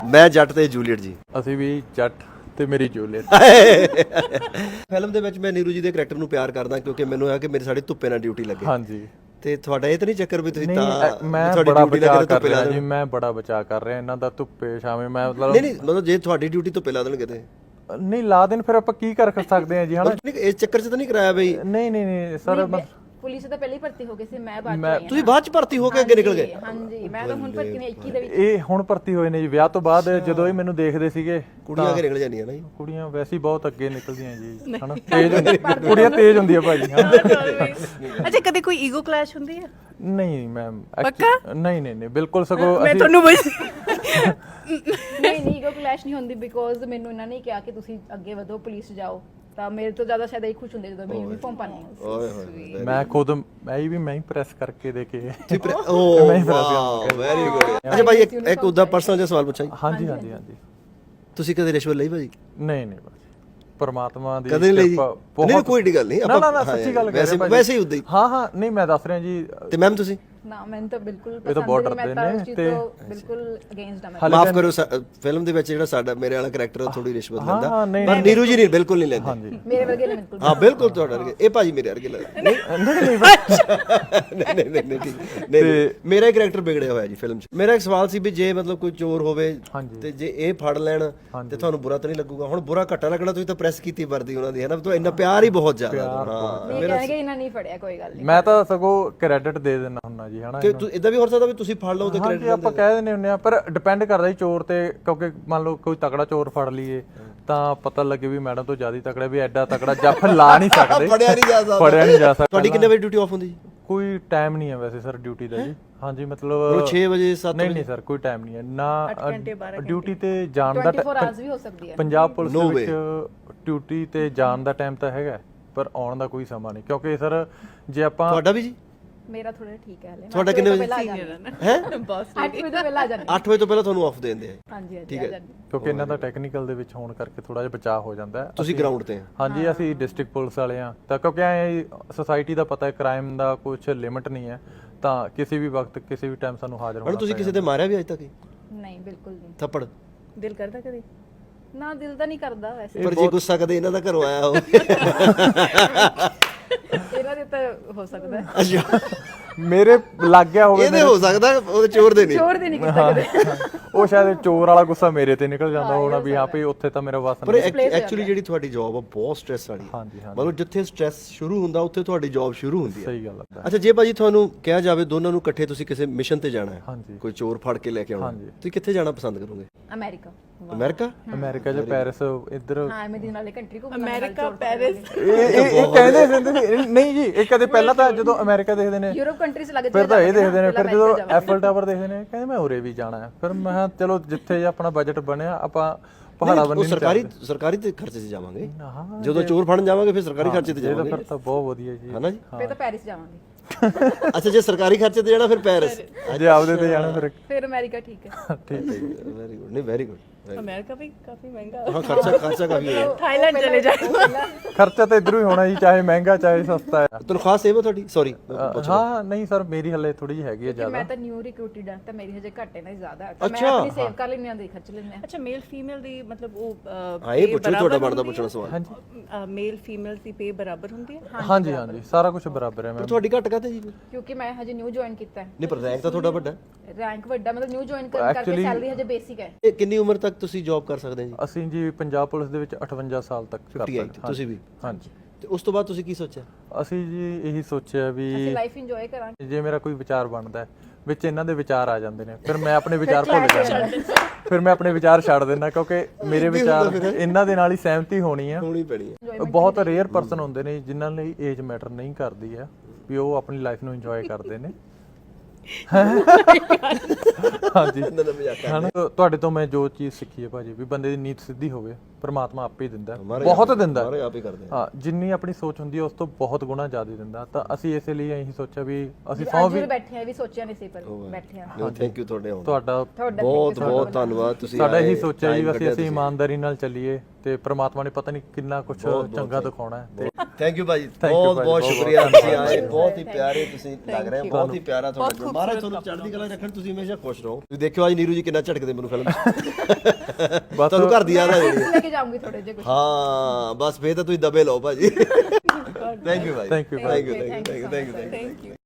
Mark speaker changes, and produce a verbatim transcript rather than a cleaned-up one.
Speaker 1: ਮੈਂ ਜੱਟ ਤੇ ਜੂਲੀਅਟ ਜੀ।
Speaker 2: ਅਸੀਂ ਵੀ ਜੱਟ ਤੇ ਮੇਰੀ ਜੂਲੀਅਟ।
Speaker 1: ਫਿਲਮ ਦੇ ਵਿੱਚ ਮੈਂ ਨੀਰੂ ਜੀ ਦੇ ਕਰੈਕਟਰ ਨੂੰ ਪਿਆਰ ਕਰਦਾ ਕਿਉਂਕਿ ਮੈਨੂੰ ਆ ਕਿ ਮੇਰੀ ਸਾਡੀ ਧੁੱਪੇ ਨਾਲ ਡਿਊਟੀ ਲੱਗੇ।
Speaker 2: ਹਾਂਜੀ
Speaker 1: ਤੇ ਤੁਹਾਡਾ ਇਹ ਤਾਂ ਨਹੀਂ ਚੱਕਰ ਵੀ ਤੁਸੀਂ
Speaker 2: ਨਹੀਂ,
Speaker 1: ਤਾਂ
Speaker 2: ਮੈਂ
Speaker 1: ਤੁਹਾਡੀ
Speaker 2: ਬੜਾ
Speaker 1: ਡਿਊਟੀ
Speaker 2: ਬਚਾਅ
Speaker 1: ਲੱਗੇ
Speaker 2: ਕਰ
Speaker 1: ਧੁੱਪੇ ਲਾ
Speaker 2: ਰਿਹਾ ਜੀ,
Speaker 1: ਦੇਣ।
Speaker 2: ਮੈਂ ਬੜਾ ਬਚਾਅ ਕਰ ਰਿਹਾ ਇਹਨਾਂ ਦਾ ਧੁੱਪੇ ਛਾਵੇਂ। ਮੈਂ ਮਤਲਬ
Speaker 1: ਨਹੀਂ ਨਹੀਂ ਮਤਲਬ ਜੇ ਤੁਹਾਡੀ ਡਿਊਟੀ ਧੁੱਪੇ ਲਾ ਦੇਣਗੇ ਤੇ
Speaker 2: ਨਹੀਂ ਲਾ ਦੇਣ ਫਿਰ ਆਪਾਂ ਕੀ ਕਰ ਸਕਦੇ ਹਾਂ ਜੀ ਹਨਾ।
Speaker 1: ਨਹੀਂ ਇਸ ਚੱਕਰ 'ਚ ਤਾਂ ਨਹੀਂ ਕਰਾਇਆ ਬਈ?
Speaker 2: ਨਹੀਂ ਨਹੀਂ ਨਹੀਂ ਸਰ
Speaker 3: ਪੁਲਿਸ ਤਾਂ ਪਹਿਲਾਂ ਹੀ ਭਰਤੀ ਹੋ ਗਏ ਸੀ, ਮੈਂ ਬਾਅਦ ਚ
Speaker 2: ਮੈਂ-
Speaker 3: ਆਈ
Speaker 1: ਤੁਸੀਂ ਬਾਅਦ 'ਚ ਭਰਤੀ ਹੋ ਕੇ ਅੱਗੇ ਨਿਕਲ ਗਏ?
Speaker 3: ਹਾਂਜੀ, ਮੈਂ ਤਾਂ ਹੁਣ ਭਰਤੀ ਨੇ ਇੱਕੀ ਦੇ ਵਿੱਚ।
Speaker 2: ਇਹ ਹੁਣ ਭਰਤੀ ਹੋਏ ਨੇ ਜੀ ਵਿਆਹ ਤੋਂ ਬਾਅਦ। ਜਦੋਂ ਇਹ ਮੈਨੂੰ ਦੇਖਦੇ ਸੀਗੇ
Speaker 1: ਕੁੜੀਆਂ ਅੱਗੇ ਨਿਕਲ ਜਾਂਦੀਆਂ ਨਾ ਜੀ।
Speaker 2: ਕੁੜੀਆਂ ਵੈਸੇ ਹੀ ਬਹੁਤ ਅੱਗੇ ਨਿਕਲਦੀਆਂ ਜੀ ਹਨਾ, ਤੇਜ਼ ਕੁੜੀਆਂ ਤੇਜ਼ ਹੁੰਦੀਆਂ ਭਾਜੀ ਹਾਂ।
Speaker 4: ਅੱਛਾ, ਕਦੇ ਕੋਈ ਈਗੋ ਕਲੈਸ਼ ਹੁੰਦੀ ਹੈ?
Speaker 2: ਨਹੀਂ ਮੈਮ
Speaker 4: ਪੱਕਾ?
Speaker 2: ਨਹੀਂ ਨਹੀਂ ਨਹੀਂ ਬਿਲਕੁਲ ਸਗੋਂ
Speaker 4: ਮੈਂ
Speaker 2: ਅਸੀਂ
Speaker 4: ਤੁਹਾਨੂੰ ਬਸ
Speaker 3: ਨਹੀਂ ਨਹੀਂ ਈਗੋ ਕਲੈਸ਼ ਨਹੀਂ ਹੁੰਦੀ ਬਿਕੋਜ਼ ਮੈਨੂੰ ਇਹਨਾਂ ਨੇ ਕਿਹਾ ਕਿ ਤੁਸੀਂ ਅੱਗੇ ਵਧੋ, ਪੁਲਿਸ ਜਾਓ, ਤਾਂ ਮੇਰੇ ਤੋਂ ਜ਼ਿਆਦਾ ਸ਼ਾਇਦ ਇਹ ਖੁਸ਼ ਹੁੰਦੇ ਜਦੋਂ ਮੈਂ ਯੂਨੀਫਾਰਮ ਪਾਣੀ ਹੈ।
Speaker 1: ਓਏ ਹੋਏ
Speaker 2: ਮੈਂ ਖੁਦ ਮੈਂ ਵੀ ਮੈਂ ਹੀ ਪ੍ਰੈਸ ਕਰਕੇ ਦੇ ਕੇ
Speaker 1: ਓ ਵਾਓ ਵੈਰੀ ਗੁੱਡ। ਅੱਛਾ ਭਾਈ ਇੱਕ ਇੱਕ ਉਹਦਾ ਪਰਸਨਲ ਜਿਹਾ ਸਵਾਲ ਪੁੱਛਾਂ ਜੀ।
Speaker 2: ਹਾਂਜੀ ਹਾਂਜੀ ਹਾਂਜੀ
Speaker 1: ਤੁਸੀਂ ਕਦੇ ਰਿਸ਼ਵਤ ਲਈ ਭਾਜੀ?
Speaker 2: ਨਹੀਂ ਨਹੀਂ ਬਸ ਪਰਮਾਤਮਾ ਦੀ
Speaker 1: ਕਦੇ ਨਹੀਂ ਲਈ?
Speaker 2: ਕਿਰਪਾ
Speaker 1: ਨਹੀਂ ਕੋਈ ਗੱਲ ਨਹੀਂ
Speaker 2: ਨਾ ਨਾ ਨਾ ਸੱਚੀ ਗੱਲ ਕਰ
Speaker 1: ਵੈਸੇ
Speaker 2: ਰਿਹਾ
Speaker 1: ਵੈਸੇ ਹੀ ਉਦਾਂ ਹੀ।
Speaker 2: ਹਾਂ ਹਾਂ ਨਹੀਂ ਮੈਂ ਦੱਸ ਰਿਹਾ ਜੀ।
Speaker 1: ਤੇ ਮੈਮ ਤੁਸੀਂ?
Speaker 3: ਨਾ ਮੈਨੂੰ ਤਾਂ ਬਿਲਕੁਲ
Speaker 2: ਇਹ ਤਾਂ ਬਹੁਤ
Speaker 3: ਪਸੰਦ ਨਹੀਂ, ਮੈਂ ਤਾਂ
Speaker 2: ਡਰਦੇ
Speaker 3: ਉਸ
Speaker 2: ਨੇ
Speaker 3: ਚੀਜ਼
Speaker 2: ਤੇ-
Speaker 3: ਤੋਂ ਬਿਲਕੁਲ ਅਗੇਂਸਟ ਹਾਂ ਮੈਂ।
Speaker 1: ਮਾਫ ਕਰੋ ਫਿਲਮ ਦੇ ਵਿੱਚ ਜਿਹੜਾ ਸਾਡਾ ਮੇਰੇ ਵਾਲਾ ਕਰੈਕਟਰ ਥੋੜੀ ਰਿਸ਼ਵਤ ਲੈਂਦਾ
Speaker 2: ਹਾਂ, ਨਹੀਂ,
Speaker 1: ਪਰ ਨੀਰੂ ਜੀ ਨਹੀਂ ਬਿਲਕੁਲ ਨਹੀਂ ਲੈਂਦੇ।
Speaker 2: ਹਾਂਜੀ
Speaker 3: ਮੇਰੇ ਵਰਗੇ ਨੇ ਬਿਲਕੁਲ।
Speaker 1: ਹਾਂ ਬਿਲਕੁਲ ਤੁਹਾਡਾ ਵਰਗੇ। ਇਹ ਭਾਜੀ ਮੇਰੇ ਵਰਗੇ ਲੱਗਦੇ ਨਹੀਂ
Speaker 2: ਨਹੀਂ ਨਹੀਂ
Speaker 1: ਨਹੀਂ ਨਹੀਂ ਨਹੀਂ ਨਹੀਂ ਠੀਕ ਨਹੀਂ ਨਹੀਂ। ਮੇਰਾ ਹੀ ਕਰੈਕਟਰ ਵਿਗੜਿਆ ਹੋਇਆ ਜੀ ਫਿਲਮ 'ਚ। ਮੇਰਾ ਇੱਕ ਸਵਾਲ ਸੀ ਵੀ ਜੇ ਮਤਲਬ ਕੋਈ ਚੋਰ ਹੋਵੇ ਤੇ ਜੇ ਇਹ ਫੜ ਲੈਣ ਤੇ ਤੁਹਾਨੂੰ ਬੁਰਾ ਤਾਂ ਨਹੀਂ ਲੱਗੂਗਾ? ਹੁਣ ਬੁਰਾ ਘੱਟਾ ਲੱਗਣਾ, ਤੁਸੀਂ ਤਾਂ ਪ੍ਰੈਸ ਕੀਤੀ ਵਰਦੀ ਉਹਨਾਂ ਦੀ ਹੈ ਨਾ, ਤਾਂ ਇੰਨਾ ਪਿਆਰ ਹੀ ਬਹੁਤ ਜ਼ਿਆਦਾ। ਹਾਂ
Speaker 3: ਇਹ ਕਹਿਣਗੇ ਇਹਨਾਂ ਨਹੀਂ ਫੜਿਆ, ਕੋਈ ਗੱਲ ਨਹੀਂ।
Speaker 2: ਮੈਂ ਤਾਂ ਸਗੋਂ ਕ੍ਰੈਡਿਟ ਦੇ ਦਿੰਦਾ ਹੁੰਦਾ ਜੀ ਹਨਾ।
Speaker 1: ਕਿ ਇਦਾਂ ਵੀ ਹੋ ਸਕਦਾ ਵੀ ਤੁਸੀਂ ਫੜ ਲਓ ਤੇ
Speaker 2: ਹਾਂਜੀ ਆਪਾਂ ਕਹਿ ਦਿੰਦੇ ਹੁੰਦੇ ਆ, ਪਰ ਡਿਪੈਂਡ ਕਰਦਾ ਜੀ ਚੋਰ ਤੇ। ਕਿਉਂਕਿ ਮੰਨ ਲਓ ਕੋਈ ਤਕੜਾ ਚੋਰ ਫੜ ਲਈਏ ਤਾਂ ਪਤਾ ਲੱਗੇ ਵੀ ਮੈਡਮ ਤੋਂ ਜ਼ਿਆਦਾ ਤਕੜਾ, ਵੀ ਐਡਾ ਤਕੜਾ ਜੱਫ ਲਾ ਨਹੀਂ ਸਕਦੇ,
Speaker 1: ਫੜਿਆ ਨਹੀਂ ਜਾ ਸਕਦਾ।
Speaker 2: ਫੜਿਆ ਨਹੀਂ ਜਾ ਸਕਦਾ।
Speaker 1: ਤੁਹਾਡੀ ਕਿੰਨੇ ਵਜੇ ਡਿਊਟੀ ਆਫ ਹੁੰਦੀ ਜੀ?
Speaker 2: ਕੋਈ ਟਾਈਮ ਨਹੀਂ ਹੈ ਵੈਸੇ ਸਰ ਡਿਊਟੀ ਦਾ ਜੀ। ਹਾਂਜੀ ਮਤਲਬ
Speaker 1: ਛੇ ਵਜੇ ਸੱਤ
Speaker 2: ਨਹੀਂ ਨਹੀਂ ਸਰ ਕੋਈ ਟਾਈਮ ਨਹੀਂ ਹੈ ਨਾ। ਡਿਊਟੀ ਤੇ ਜਾਣ ਦਾ
Speaker 3: ਚੌਵੀ ਆਵਰਸ ਵੀ ਹੋ ਸਕਦੀ ਹੈ।
Speaker 2: ਪੰਜਾਬ ਪੁਲਿਸ ਦੇ ਵਿੱਚ ਡਿਊਟੀ ਤੇ ਜਾਣ ਦਾ ਟਾਈਮ ਤਾਂ ਹੈਗਾ, ਪਰ ਆਉਣ ਦਾ ਕੋਈ ਸਮਾਂ ਨਹੀਂ। ਕਿਉਂਕਿ ਸਰ ਜੇ ਆਪਾਂ
Speaker 1: ਤੁਹਾਡਾ ਵੀ ਜੀ?
Speaker 3: ਮੇਰਾ ਥੋੜਾ ਠੀਕ ਹੈ ਹਲੇ।
Speaker 1: ਤੁਹਾਡਾ ਕਿੰਨੇ ਵਜੇ?
Speaker 3: ਹੈ ਬਸ ਅੱਠ ਵਜੇ ਤੋਂ ਪਹਿਲਾਂ ਆ ਜਾਂਦੇ।
Speaker 1: ਅੱਠ ਵਜੇ ਤੋਂ ਪਹਿਲਾਂ ਤੁਹਾਨੂੰ ਆਫ ਦੇ ਦਿੰਦੇ ਆ?
Speaker 3: ਹਾਂਜੀ ਹਾਂਜੀ
Speaker 1: ਠੀਕ ਹੈ।
Speaker 2: ਕਿਉਂਕਿ ਇਹਨਾਂ ਦਾ ਟੈਕਨੀਕਲ ਦੇ ਵਿੱਚ ਹੋਣ ਕਰਕੇ ਥੋੜਾ ਜਿਹਾ ਬਚਾਅ ਹੋ ਜਾਂਦਾ ਹੈ।
Speaker 1: ਤੁਸੀਂ ਗਰਾਊਂਡ ਤੇ?
Speaker 2: ਹਾਂਜੀ ਅਸੀਂ ਡਿਸਟ੍ਰਿਕਟ ਪੁਲਿਸ ਵਾਲੇ ਆ, ਤਾਂ ਕਿਉਂਕਿ ਐ ਸੋਸਾਇਟੀ ਦਾ ਪਤਾ ਹੈ ਕ੍ਰਾਈਮ ਦਾ ਕੁਝ ਲਿਮਿਟ ਨਹੀਂ ਹੈ, ਤਾਂ ਕਿਸੇ ਵੀ ਵਕਤ ਕਿਸੇ ਵੀ ਟਾਈਮ ਸਾਨੂੰ ਹਾਜ਼ਰ ਹੋਣਾ।
Speaker 1: ਤੁਸੀਂ ਕਿਸੇ ਤੇ ਮਾਰਿਆ ਵੀ ਅਜੇ ਤੱਕ?
Speaker 3: ਨਹੀਂ ਬਿਲਕੁਲ ਨਹੀਂ।
Speaker 1: ਥੱਪੜ?
Speaker 4: ਦਿਲ ਕਰਦਾ ਕਦੇ?
Speaker 3: ਨਾ ਦਿਲ ਤਾਂ ਨਹੀਂ ਕਰਦਾ ਵੈਸੇ।
Speaker 1: ਪਰ ਜੇ ਗੁੱਸਾ ਕਦੇ ਇਹਨਾਂ ਦਾ ਘਰੋਂ ਆਇਆ ਹੋਵੇ?
Speaker 3: ਇਹਨਾਂ ਦੇ ਤਾਂ ਹੋ ਸਕਦਾ ਹੈ।
Speaker 1: ਅੱਛਾ
Speaker 2: ਮੇਰੇ ਲੱਗ ਗਿਆ ਹੋਵੇ।
Speaker 1: ਇਹਦੇ ਹੋ ਸਕਦਾ, ਉਹਦੇ ਚੋਰ ਦੇ ਨਹੀਂ।
Speaker 3: ਚੋਰ ਦੇ ਨਹੀਂ ਕੀਤਾ ਕਦੇ।
Speaker 2: ਉਹ ਸ਼ਾਇਦ ਚੋਰ ਵਾਲਾ ਗੁੱਸਾ ਮੇਰੇ ਤੇ ਨਿਕਲ ਜਾਂਦਾ ਹੋਣਾ ਵੀ ਹਾਂ ਵੀ ਉੱਥੇ ਤਾਂ ਮੇਰਾ ਵਸ
Speaker 1: ਪਰ
Speaker 2: ਨਹੀਂ।
Speaker 1: ਐਕਚੁਅਲੀ ਜਿਹੜੀ ਤੁਹਾਡੀ ਜੌਬ ਆ ਬਹੁਤ ਸਟ੍ਰੈਸ ਵਾਲੀ ਹੈ।
Speaker 2: ਹਾਂਜੀ ਹਾਂਜੀ
Speaker 1: ਮਤਲਬ ਜਿੱਥੇ ਸਟ੍ਰੈਸ ਸ਼ੁਰੂ ਹੁੰਦਾ ਉੱਥੇ ਤੁਹਾਡੀ ਜੌਬ ਸ਼ੁਰੂ ਹੁੰਦੀ ਹੈ।
Speaker 2: ਸਹੀ ਗੱਲ ਹੈ।
Speaker 1: ਅੱਛਾ ਜੇ ਭਾਜੀ ਤੁਹਾਨੂੰ ਕਿਹਾ ਜਾਵੇ ਦੋਨਾਂ ਨੂੰ ਇਕੱਠੇ ਤੁਸੀਂ ਕਿਸੇ ਮਿਸ਼ਨ ਤੇ ਜਾਣਾ ਹੈ,
Speaker 2: ਹਾਂਜੀ
Speaker 1: ਕੋਈ ਚੋਰ ਫੜ ਕੇ ਲੈ ਕੇ ਆਉਣਾ, ਤੁਸੀਂ ਕਿੱਥੇ ਜਾਣਾ ਪਸੰਦ ਕਰੋਗੇ?
Speaker 3: ਅਮਰੀਕਾ।
Speaker 1: ਅਮਰੀਕਾ?
Speaker 2: ਅਮਰੀਕਾ ਜਾਂ ਪੈਰਿਸ ਇੱਧਰ?
Speaker 3: ਹਾਂ ਮੈਂ ਦਿਨ ਵਾਲੇ ਕੰਟਰੀ ਘੁੰਮਣਾ।
Speaker 4: America, Paris.
Speaker 2: ਇਹ ਇਹ ਕਹਿੰਦੇ ਹੁੰਦੇ ਸੀ ਨਹੀਂ ਜੀ। ਇਹ ਕਦੇ ਪਹਿਲਾਂ ਤਾਂ ਜਦੋਂ ਅਮਰੀਕਾ ਦੇਖਦੇ ਨੇ
Speaker 3: ਯੂਰਪ ਕੰਟਰੀਜ਼ ਲੱਗ
Speaker 2: ਫਿਰ ਤਾਂ ਇਹ ਦੇਖਦੇ ਨੇ, ਫਿਰ ਜਦੋਂ ਐਫਲ ਟਾਵਰ ਦੇਖਦੇ ਨੇ ਕਹਿੰਦੇ ਮੈਂ ਉਰੇ ਵੀ ਜਾਣਾ ਹੈ। ਫਿਰ ਮੈਂ ਚਲੋ ਜਿੱਥੇ ਆਪਣਾ ਬਜਟ ਬਣਿਆ ਆਪਾਂ ਪਹਾੜਾ ਬੰਨੀ
Speaker 1: ਸਰਕਾਰੀ ਸਰਕਾਰੀ ਤੇ ਖਰਚੇ 'ਚ ਜਾਵਾਂਗੇ। ਜਦੋਂ ਚੋਰ ਫੜਨ ਜਾਵਾਂਗੇ ਫਿਰ ਸਰਕਾਰੀ ਖਰਚੇ ਤੇ ਜਾਵਾਂਗੇ।
Speaker 2: ਫਿਰ ਤਾਂ ਬਹੁਤ ਵਧੀਆ ਜੀ
Speaker 1: ਹਨਾ ਜੀ?
Speaker 3: ਫਿਰ ਤਾਂ ਪੈਰਿਸ ਜਾਵਾਂਗੇ।
Speaker 1: ਅੱਛਾ ਜੇ ਸਰਕਾਰੀ ਖਰਚੇ ਤੇ ਜਾਣਾ ਫਿਰ ਪੈਰਿਸ,
Speaker 2: ਜੇ ਆਪਦੇ ਤੇ ਜਾਣਾ ਫਿਰ
Speaker 3: ਫਿਰ ਅਮਰੀਕਾ ਠੀਕ ਹੈ।
Speaker 2: ਠੀਕ ਹੈ।
Speaker 1: Very good. ਨਹੀਂ ਵੈਰੀ ਗੁੱਡ।
Speaker 4: ਅਮਰੀਕਾ ਵੀ ਕਾਫੀ ਮਹਿੰਗਾ।
Speaker 1: ਹਾਂ ਖਰਚਾ ਖਰਚਾ ਕਾਫੀ ਹੈ।
Speaker 4: ਥਾਈਲੈਂਡ ਚਲੇ ਜਾਓ।
Speaker 2: ਖਰਚਾ ਤਾਂ ਇਧਰੋਂ ਹੀ ਹੋਣਾ ਜੀ, ਚਾਹੇ ਮਹਿੰਗਾ ਚਾਹੇ ਸਸਤਾ ਹੈ।
Speaker 1: ਤਨਖਾਹ ਸੇਵ ਹੈ ਤੁਹਾਡੀ? ਸੌਰੀ
Speaker 2: ਹਾਂ ਨਹੀਂ ਸਰ ਮੇਰੀ ਹੱਲੇ ਥੋੜੀ ਜਿਹੀ ਹੈਗੀ ਹੈ ਜ਼ਿਆਦਾ।
Speaker 3: ਮੈਂ ਤਾਂ ਨਿਊ ਰਿਕਰੂਟਡ ਹਾਂ ਤਾਂ ਮੇਰੀ ਹਜੇ ਘੱਟ ਹੈ ਨਾ ਜ਼ਿਆਦਾ ਹੈ, ਤਾਂ ਮੈਂ ਆਪਣੀ ਸੇਵ ਕਰ ਲੈਂਦੀ ਹਾਂ ਦੇ ਖਰਚ ਲੈਂਦੇ ਹਾਂ।
Speaker 4: ਅੱਛਾ ਮੇਲ ਫੀਮੇਲ ਦੀ ਮਤਲਬ ਉਹ
Speaker 1: ਹਾਂ ਇਹ ਪੁੱਛੋ ਤੁਹਾਡਾ ਬਣਦਾ ਪੁੱਛਣਾ ਸਵਾਲ।
Speaker 4: ਹਾਂਜੀ ਮੇਲ ਫੀਮੇਲ ਦੀ ਪੇ ਬਰਾਬਰ ਹੁੰਦੀ ਹੈ?
Speaker 2: ਹਾਂਜੀ ਹਾਂਜੀ ਸਾਰਾ ਕੁਝ ਬਰਾਬਰ ਹੈ ਮੈਮ।
Speaker 1: ਤੁਹਾਡੀ ਘੱਟ ਕਾਤੇ ਜੀ?
Speaker 3: ਕਿਉਂਕਿ ਮੈਂ ਹਜੇ ਨਿਊ ਜੁਆਇਨ ਕੀਤਾ ਹੈ।
Speaker 1: ਨਹੀਂ ਪਰ ਰੈਂਕ ਤਾਂ ਤੁਹਾਡਾ ਵੱਡਾ।
Speaker 3: ਰੈਂਕ ਵੱਡਾ ਮਤਲਬ ਨਿਊ ਜੁਆਇਨ ਕਰਨ ਕਰਕੇ ਸੈਲਰੀ ਹਜੇ ਬੇਸਿਕ ਹੈ।
Speaker 1: ਇਹ ਕਿੰਨੀ ਉਮਰ ਤੱਕ ਤੁਸੀਂ ਜੌਬ ਕਰ ਸਕਦੇ ਜੀ?
Speaker 2: ਅਸੀਂ ਜੀ ਪੰਜਾਬ ਪੁਲਿਸ ਦੇ ਵਿੱਚ ਅਠਵੰਜਾ ਸਾਲ ਤੱਕ ਕਰ ਸਕਦੇ ਹਾਂ।
Speaker 1: ਤੁਸੀਂ ਵੀ?
Speaker 2: ਹਾਂਜੀ।
Speaker 1: ਤੇ ਉਸ ਤੋਂ ਬਾਅਦ ਤੁਸੀਂ ਕੀ ਸੋਚਿਆ?
Speaker 2: ਅਸੀਂ ਜੀ ਇਹੀ ਸੋਚਿਆ ਵੀ
Speaker 3: ਅਸੀਂ ਲਾਈਫ ਇੰਜੋਏ ਕਰਾਂਗੇ।
Speaker 2: ਜੇ ਮੇਰਾ ਕੋਈ ਵਿਚਾਰ ਬਣਦਾ ਹੈ ਵਿੱਚ ਇਹਨਾਂ ਦੇ ਵਿਚਾਰ ਆ ਜਾਂਦੇ ਨੇ, ਫਿਰ ਮੈਂ ਆਪਣੇ ਵਿਚਾਰ ਭੁੱਲ ਜਾਂਦਾ, ਫਿਰ ਮੈਂ ਆਪਣੇ ਵਿਚਾਰ ਛੱਡ ਦਿੰਦਾ ਕਿਉਂਕਿ ਮੇਰੇ ਵਿਚਾਰ ਇਹਨਾਂ ਦੇ ਨਾਲ ਹੀ ਸਹਿਮਤੀ ਹੋਣੀ ਆ।
Speaker 1: ਹੋਣੀ ਪੈਣੀ ਹੈ।
Speaker 2: ਬਹੁਤ ਰੇਅਰ ਪਰਸਨ ਹੁੰਦੇ ਨੇ ਜਿਨ੍ਹਾਂ ਲਈ ਏਜ ਮੈਟਰ ਨਹੀਂ ਕਰਦੀ ਹੈ, ਵੀ ਉਹ ਆਪਣੀ ਲਾਈਫ ਨੂੰ ਇੰਜੋਏ ਕਰਦੇ ਨੇ। ਹਾਂਜੀ ਹਨਾ। ਤੁਹਾਡੇ ਤੋਂ ਮੈਂ ਜੋ ਚੀਜ਼ ਸਿੱਖੀ ਹੈ ਭਾਜੀ, ਵੀ ਬੰਦੇ ਦੀ ਨੀਤ ਸਿੱਧੀ ਹੋਵੇ ਪਰਮਾਤਮਾ ਆਪੇ ਦਿੰਦਾ, ਬਹੁਤ ਦਿੰਦਾ। ਹਾਂ ਜਿੰਨੀ ਆਪਣੀ ਸੋਚ ਹੁੰਦੀ ਹੈ ਉਸ ਤੋਂ ਬਹੁਤ ਗੁਣਾ ਜ਼ਿਆਦਾ ਦਿੰਦਾ। ਤਾਂ ਅਸੀਂ ਇਸੇ ਲਈ ਇਹੀ ਸੋਚਿਆ ਵੀ ਅਸੀਂ ਸੌ ਵੀ
Speaker 3: ਬੈਠੇ ਆ, ਵੀ ਸੋਚਿਆ ਨਹੀਂ ਸੀ ਪਰ ਬੈਠੇ ਆ।
Speaker 1: ਥੈਂਕ ਯੂ ਤੁਹਾਡੇ ਆਉਣ ਦਾ।
Speaker 2: ਤੁਹਾਡਾ
Speaker 1: ਬਹੁਤ ਬਹੁਤ ਧੰਨਵਾਦ। ਤੁਸੀਂ
Speaker 2: ਸਾਡਾ ਇਹੀ ਸੋਚਿਆ ਜੀ ਅਸੀਂ ਅਸੀਂ ਇਮਾਨਦਾਰੀ ਨਾਲ ਚੱਲੀਏ ਤੇ ਪ੍ਰਮਾਤਮਾ ਨੇ ਪਤਾ ਨਹੀਂ ਕਿੰਨਾ ਕੁਝ ਚੰਗਾ ਦਿਖਾਉਣਾ ਹੈ ਤੇ
Speaker 1: ਥੈਂਕ ਯੂ ਭਾਜੀ
Speaker 2: Thank you
Speaker 1: ਬਹੁਤ
Speaker 2: ਭਾਜੀ,
Speaker 1: ਬਹੁਤ
Speaker 2: ਬਹੁਤ
Speaker 1: ਸ਼ੁਕਰੀਆ
Speaker 2: ਬਹੁਤ
Speaker 1: ਤੁਸੀਂ ਆਏ ਬਹੁਤ ਹੀ ਪਿਆਰੇ ਤੁਸੀਂ ਲੱਗ ਰਹੇ ਹੋ ਬਹੁਤ ਹੀ ਪਿਆਰਾ ਤੁਹਾਡਾ
Speaker 4: ਬਹੁਤ
Speaker 1: ਮਹਾਰਾਜ ਤੁਹਾਨੂੰ ਚੜ੍ਹਦੀ ਕਲਾ 'ਚ ਰੱਖਣ ਤੁਸੀਂ ਹਮੇਸ਼ਾ ਖੁਸ਼ ਰਹੋ ਤੁਸੀਂ ਦੇਖਿਓ ਅੱਜ ਨੀਰੂ ਜੀ ਕਿੰਨਾ ਝਟਕਦੇ ਮੈਨੂੰ ਫਿਲਮ 'ਚ ਤੁਹਾਨੂੰ ਘਰ ਦੀ ਯਾਦ ਆ ਜਾਣੀ ਹੈ।
Speaker 3: ਲੈ ਕੇ ਜਾਊਂਗੀ ਥੋੜੇ ਜਿਹਾ ਕੁਝ
Speaker 1: ਹਾਂ ਬਸ ਫੇਰ ਤਾਂ ਤੁਸੀਂ ਦਬੇ ਲਓ ਭਾਜੀ ਥੈਂਕ ਯੂ ਭਾਈ
Speaker 2: Thank you,
Speaker 1: thank you thank you thank you thank you